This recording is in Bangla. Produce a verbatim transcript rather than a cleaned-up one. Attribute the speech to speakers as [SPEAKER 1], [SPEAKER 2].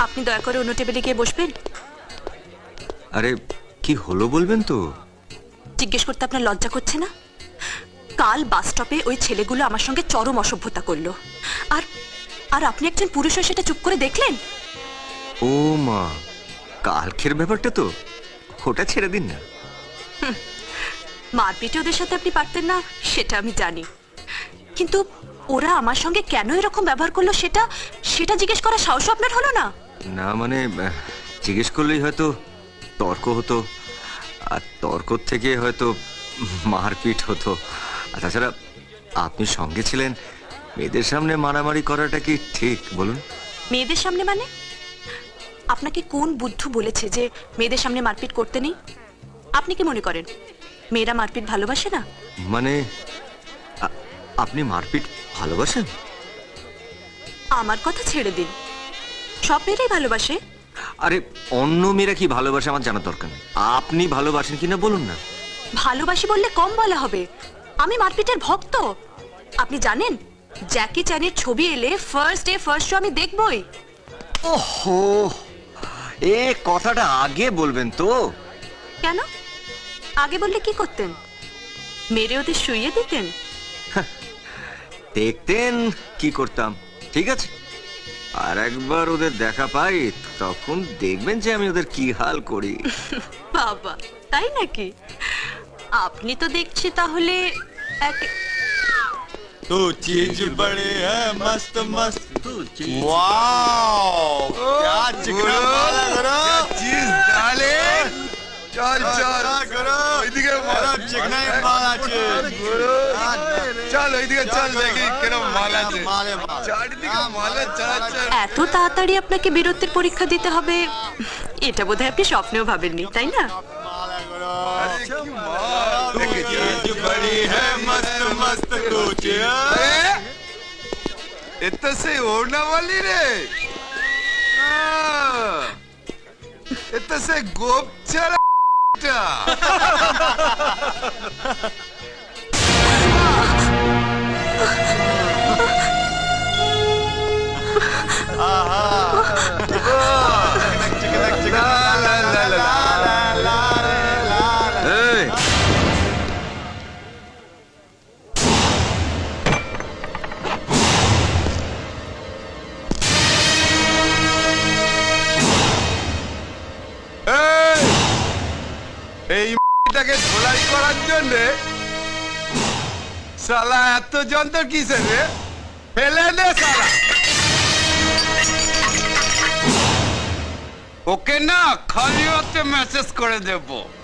[SPEAKER 1] আপনি দয়া করে অন্য টেবিলে গিয়ে বসবেন।
[SPEAKER 2] আরে কি হলো বলবেন তো?
[SPEAKER 1] জিজ্ঞেস করতে আপনার লজ্জা করছে না? কাল বাস স্টপে ওই ছেলেগুলো আমার সঙ্গে চরম অসভ্যতা করলো, আর আর আপনি একজন পুরুষ হয়ে সেটা চুপ করে দেখলেন।
[SPEAKER 2] ও মা, কালকের ব্যাপারটা তো, ওটা ছেড়ে দিন না।
[SPEAKER 1] মারপিটে ওদের সাথে আপনি পারতেন না সেটা আমি জানি, কিন্তু ওরা আমার সঙ্গে কেন এরকম ব্যবহার করলো সেটা সেটা জিজ্ঞেস করার সাহস আপনার হলো না?
[SPEAKER 2] না মানে আহ, জিজ্ঞেস করলেই হয়তো তর্ক হতো, আর তর্ক থেকে হয়তো মারপিট হতো। আর তাছাড়া আপনি সঙ্গে ছিলেন, মেয়েদের সামনে মারামারি করাটা কি ঠিক বলুন?
[SPEAKER 1] মেয়েদের সামনে মানে? আপনাকে কোন বুদ্ধু বলেছে যে মেয়েদের সামনে মারপিট করতে নেই? আপনি কি মনে করেন মেয়েরা মারপিট ভালোবাসে না?
[SPEAKER 2] মানে আ- আপনি মারপিট ভালোবাসেন?
[SPEAKER 1] আমার কথা ছেড়ে দিন, সব মেয়েরাই ভালোবাসে।
[SPEAKER 2] আরে অন্য মেয়েরা কি ভালোবাসে আমার জানার দরকার নেই, আপনি ভালোবাসেন কিনা বলুন না।
[SPEAKER 1] ভালোবাসি বললে কম বলা হবে, আমি মারপিটের ভক্ত। আপনি জানেন জ্যাকি চ্যানের ছবি এলে ফার্স্ট ডে ফার্স্ট শো আমি দেখবই।
[SPEAKER 2] ওহো, এ কথাটা আগে বলবেন তো।
[SPEAKER 1] কেন? আগে বললে কি করতেন? মেরে ওদের শুইয়ে দিতেন?
[SPEAKER 2] দেখতেন কি করতাম, ঠিক আছে? আর একবার ওদের দেখা পাই, তখন দেখবেন যে আমি ওদের কি হাল করি।
[SPEAKER 1] বাবা, তাই নাকি? আপনি তো দেখছি তাহলে এক
[SPEAKER 3] तू चीज बड़े है मस्त मस्त तू चीज वाओ क्या चिकना माला करो
[SPEAKER 4] चीज डाले चल चल
[SPEAKER 3] करो इधर माला चिकना ही माला चे
[SPEAKER 4] चल এদিকে চল দেখি কেন মালা আছে
[SPEAKER 3] माले
[SPEAKER 4] চারিদিকে মালা চড়াচ্ছে।
[SPEAKER 1] এত তাড়াতাড়ি আপনাকে বীরত্বের পরীক্ষা দিতে হবে এটা বোধহয় আপনি স্বপ্নেও ভাবেননি, তাই না?
[SPEAKER 3] माला करो
[SPEAKER 4] আরে কি মাল
[SPEAKER 3] तू चीज बड़ी है मस्त मस्त तू चीज
[SPEAKER 4] এত সে ওড়না वाली রে এত সে গোপ ছাড়া
[SPEAKER 3] चिकना चिकना
[SPEAKER 4] লা লা লা লা
[SPEAKER 2] এই,
[SPEAKER 4] এই টাকে ধোলাই করার জন্য শালা এত যন্ত্র কিসের রে? ফেলে দে শালা। ওকে না খালি হাতে মেসেজ করে দেব।